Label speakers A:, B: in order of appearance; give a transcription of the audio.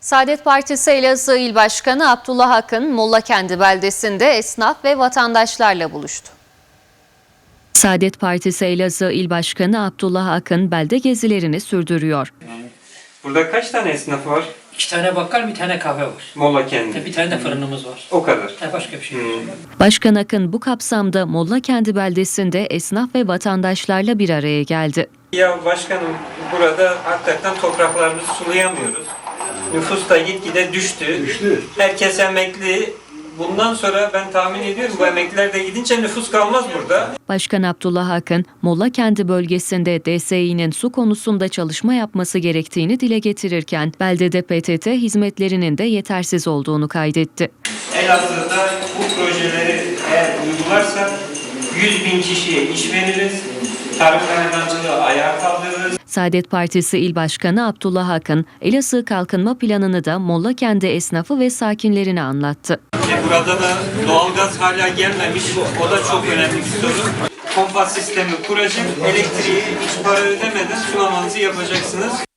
A: Saadet Partisi Elazığ İl Başkanı Abdullah Akın, Mollakendi beldesinde esnaf ve vatandaşlarla buluştu. Saadet Partisi Elazığ İl Başkanı Abdullah Akın belde gezilerini sürdürüyor.
B: Burada kaç tane esnaf var?
C: 2 tane bakkal, bir tane kahve var.
B: Mollakendi.
C: Bir tane de fırınımız var.
B: O kadar.
C: Başka bir şey yok.
A: Başkan Akın bu kapsamda Mollakendi beldesinde esnaf ve vatandaşlarla bir araya geldi.
B: Ya başkanım, burada hakikaten topraklarımızı sulayamıyoruz. Nüfus da gitgide düştü. Herkes emekli. Bundan sonra ben tahmin ediyorum bu emekliler de gidince nüfus kalmaz burada.
A: Başkan Abdullah Akın, Mollakendi bölgesinde DSİ'nin su konusunda çalışma yapması gerektiğini dile getirirken, beldede PTT hizmetlerinin de yetersiz olduğunu kaydetti.
B: Elazığ'da bu projeleri eğer uygularsak 100.000 kişiye iş veririz. Tarım hayvancılığı ayağa kaldırırız.
A: Saadet Partisi İl Başkanı Abdullah Akın, Elazığ Kalkınma Planı'nı da Mollakendi esnafı ve sakinlerine anlattı.
B: Burada da doğalgaz hala gelmemiş. O da çok önemli bir sorun. Pompa sistemi kuracak. Elektriği hiç para ödemeden sulamanızı yapacaksınız.